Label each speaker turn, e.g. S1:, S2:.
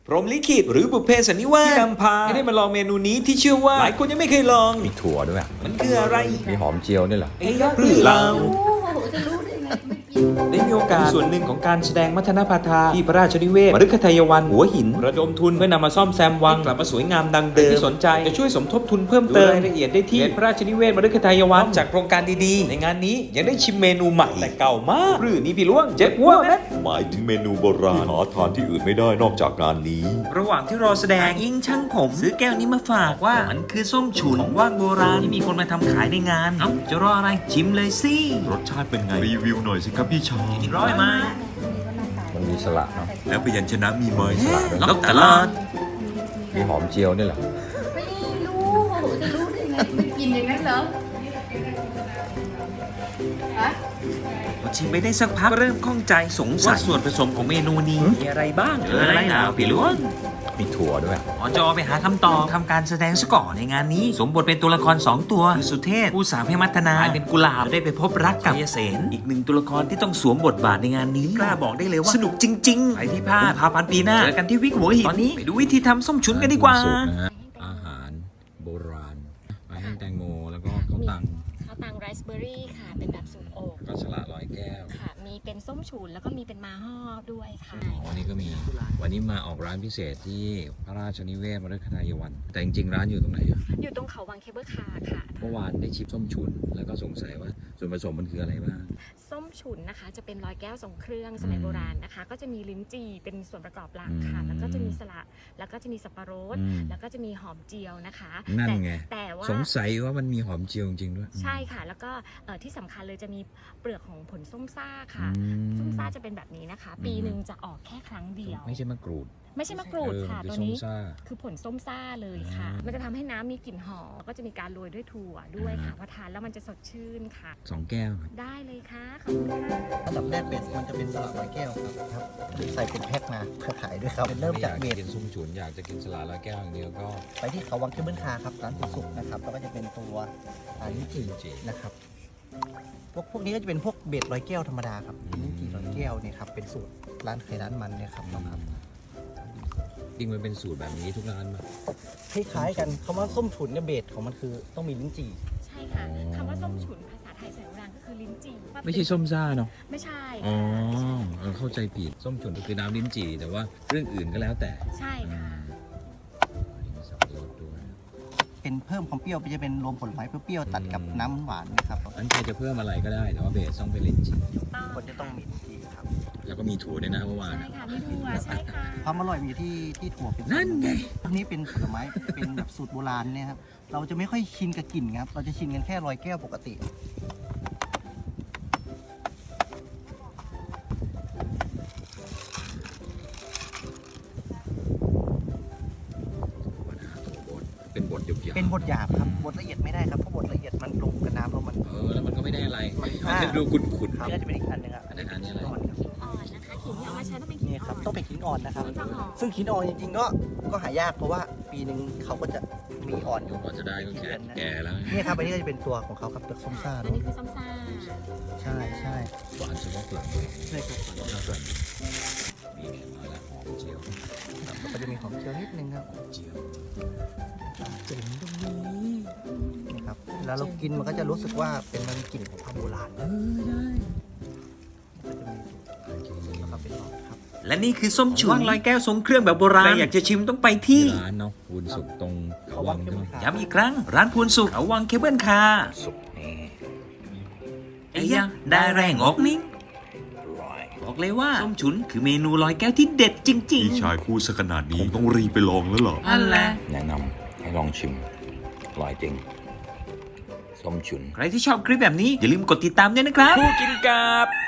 S1: พรหมลิขิตหรือบุพเพสันนิวาสที่นำพาให้ได้มาลองเมนูนี้ที่เชื่อว่าหลายคนยังไม่เคยลอง
S2: มีถั่วด้วย
S1: มันคืออะไร
S2: มีหอมเจียวด้วยเหรอ
S1: ไอ้ยอดหรือเรา
S3: จะรู้ได้ไงไม่กิน
S1: ได้มีโอกาสส่วนหนึ่งของการแสดงมัทนาพาทาที่พระราชนิเวศมฤคทายวันหัวหินระดมทุนเพื่อนำมาซ่อมแซมวังกลับมาสวยงามดังเดิมที่สนใจจะช่วยสมทบทุนเพิ่มเติมรายละเอียดได้ที่พระราชนิเวศมฤคทายวันจากโครงการดีๆในงานนี้ยังได้ชิมเมนูใหม่แต่เก่ามากหรือนี่พี่ล่วงเจ็บหัวไหม
S4: หมายถึงเมนูโบราณหาทานที่อื่นไม่ได้นอกจากงานนี้
S1: ระหว่างที่รอแสดงอิงช่างผมซื้อแก้วนี้มาฝากว่ามันคือส้มฉุนของว่างโบราณที่มีคนมาทำขายในงานเอ้าจะรออะไรชิมเลยสิ
S4: รสชาติเป็นไง รีวิวหน่อยสิครับพี่ชาย
S1: อีกร้อยไหม
S2: มันมีสละเนาะ
S4: แล้วพยัญชนะมีไหม
S1: ล็อกตลาด
S2: มีหอมเจียวด้วยเหรอ
S3: ไม่รู้จะรู้ได้ไงไม่กินอย่างนั้นเหรอฮะ
S1: พอชิมไปได้สักพักก็เริ่มข้องใจสงสัยว่าส่วนผสมของเมนูนี้มีอะไรบ้างอะไรนะพี่ล่วง
S2: มีถั่วด้วย
S1: หมอจอไปหาคำตอบทำการแสดงซะก่อนในงานนี้สมบทเป็นตัวละคร2ตัวคือสุเทพผู้สาวให้มัทนากลายเป็นกุหลาบได้ไปพบรักกับยเสนอีกหนึ่งตัวละครที่ต้องสวมบทบาทในงานนี้กล้าบอกได้เลยว่าสนุกจริงๆใครที่พลาดพาพันธ์ปีหน้าเจอกันที่วิกหัวหินตอนนี้ไปดูวิธีทำส้มฉุนกันดีกว่า
S2: สูตรนะฮะอาหารโบราณปลาแห้งแตงโมแล้วก็ข้าวตัง
S5: ข้าวตังไรซ์เบอร์รี่ค่ะ เป็นแบบสูตรโอก
S2: แล้วก็สละร้อยแก้ว
S5: ค่ะ มีเป็นส้มฉุนแล้วก็มีเป็นมาฮ่อด้วยค่ะ
S2: วันนี้ก็มีวันนี้มาออกร้านพิเศษที่พระราชนิเวศมฤคทายวัน แต่จริงๆร้านอยู่ตรงไหนอะ
S5: อยู่ตรงเขาวังเคเบิลคาร์ค่ะ
S2: เมื่อวานได้ชิมส้มฉุนแล้วก็สงสัยว่าส่วนผสมมันคืออะไรบ้าง
S5: ส้มฉุนนะคะ จะเป็นร้อยแก้วทรงเครื่องสมัยโบราณนะคะ ก็จะมีลิ้นจี่เป็นส่วนประกอบหลักค่ะ
S2: อืม
S5: แล้วก็จะมีสละแล้วก็จะมีสับปะรด
S2: อืม
S5: แล้วก็จะมีหอมเจียวนะคะ
S2: นั่นไง
S5: แต่ว่า
S2: สงสัยว่ามันมีหอมเจียวจริงๆด้วย
S5: ใช่ค่ะ แล้วก็ที่สำคัญเลยจะมีเปลือกของผลส้มซ่าค่ะ
S2: อืม
S5: ส้มซ่าจะเป็นแบบนี้นะคะ ปีหนึ่งจะออกแค่ครั้งเดียว
S2: ไม่ใช่มะกรูด
S5: ไม่ใช่มะกรูดค่ะ
S2: คือ
S5: ตัว
S2: ส้ม
S5: นี้
S2: ซ่า
S5: คือผลส้มซ่าเลยค่ะ
S2: อ่ามั
S5: มันจะทำให้น้ำมีกลิ่นหอมก็จะมีการโรยด้วยถั่วด้วยค่ะพอทานแล้วมันจะสดชื่นค่ะ
S2: 2 แก้วครับ
S5: ได้เลยค่ะขอบคุณค่ะ
S6: อันดับแรกเบสมันจะเป็นสลัดร้อยแก้วครับใส่เป็นแพ็คมาเพื่อขายด้วยครับเริ่มจากเบ
S2: ไม่อย
S6: ส
S2: กินส้มฉุนอยากจะกินสลัดร้อยแก้วอย่างเดียวก็
S6: ไปที่เขาวังเคเบิลคาร์ครับร้านสุกๆนะครับแล้วก็จะเป็นตัวลิ้นจี่นะครับพวกนี้ก็จะเป็นพวกเบสร้อยแก้วธรรมดาครับลิ้นจี่ร้อยแก้วเนี่ยครับเป็นสูตรร้านไข่ร้านมันเนี่ยครับน้องครับ
S2: จริงมันเป็นสูตรแบบนี้ทุกร้านมา
S6: คล้ายๆกันคำว่าส้มฉุนเนี่ยเบสของมันคือต้องมีลิ้นจี่
S5: ใช่ค่ะคำว่าส้มฉุนภาษาไทยสมัยโบราณก็คือลิ้นจี่
S2: ไม่ใช่ส้มซ่าเนาะ
S5: ไม่ใช่
S2: อ๋อ
S5: ค่ะ
S2: เราเข้าใจผิดส้มฉุนก็คือน้ำลิ้นจี่แต่ว่าเรื่องอื่นก็แล้วแต่
S5: ใช่ค่ะ
S2: มีสับปะรดด้วย
S6: เป็นเพิ่มความเปรี้ยวจะเป็นรวมผลไม้เปรี้ยวๆตัดกับน้ำหวานนะครับ
S2: อันใครจะเพิ่มอะไรก็ได้แต่ว่าเบสต้องเป็นลิ้นจี่
S6: คนจะต้องมีลิ้นจี่ครับ
S2: แล้วก็มีถั่วด้วยนะเมื่อวาน
S5: ใช่
S2: อะ
S5: ค่ะมีถั่วใช่ค่ะ
S6: ความอร่อยมันอยู่ที่ถั่วเป็น
S2: นั่นไง
S6: พวกนี้เป็นผลไม้ เป็นแบบสูตรโบราณเนี่ยครับ เราจะไม่ค่อยชินกับกลิ่นครับ เราจะชินกันแค่ร้อยแก้วปกติ
S2: เป็นบทหยาบๆ
S6: เป็นบทหยาบครับ บทละเอียดไม่ได้ครับ เพราะบทละเอียดมันลงกับน้ำแล้วมัน
S2: แล้วมันก็ไม่ได้อะไร
S6: มัน
S2: มันจะดูขุ่น
S6: ครับนี่ก็จะเป็นอีกอันหนึงครับ
S2: อันนี้อะไร
S6: ขิงอ่อนครับ
S5: ขิงอ่อนนะคะขิงที่เอามาใช้ต้องเป็นขิง
S6: นี่ครับ ต้องเป็นขิงอ่อนนะครับ
S5: ต้องหอม
S6: ซึ่งขิงอ่อนจริงๆก็หายากเพราะว่าปีหนึ่งเขาก็จะมีอ่อนอยู่
S2: กว่าจะได้ก็แก่แล้ว
S6: นี่ครับอันนี้ก็จะเป็นตัวของเขาครับตัวส้มซ่า
S5: อัน
S6: เนาะ
S5: นี้คือส้มซ่า
S6: ใช่ใช่
S2: หวานเฉพาะเปลือก
S6: ใช่ครับ
S2: มีมาแล้วหอมเจียว
S6: ก็จะมีหอมเจียวนิดนึงครับ
S2: เจียว
S6: นี่ครับแล้วเรากินมันก็จะรู้สึกว่าเป็นมันกลิ่นของความโบราณก็จะมีแล้วก็เป็นหอมครับ
S1: และนี่คือส้มฉุนร้อยแก้วทรงเครื่องแบบโบราณใครอยากจะชิมต้องไปที่
S2: ร้านเนาะวุ้นสุกตรงเขาวังใช่ไหม
S1: ย้ำอีกครั้ง ร้านพูนสุขเขาวังเคเบิลคาร์
S2: สุกนี่
S1: ไอ้ยะได้แรงออกนิ่งบอกเลยว่าส้มฉุนคือเมนูร้อยแก้วที่เด็ดจริง
S4: พี่ชายคู่ซะขนาดนี้คงต้องรีบไปลองแล้วเหรอ
S1: ๆนั่นแหละ
S2: แนะนำให้ลองชิมอร่อยจริงส้มฉุน
S1: ใครที่ชอบคลิปแบบนี้อย่าลืมกดติดตามด้วยนะครับคู่กินกับ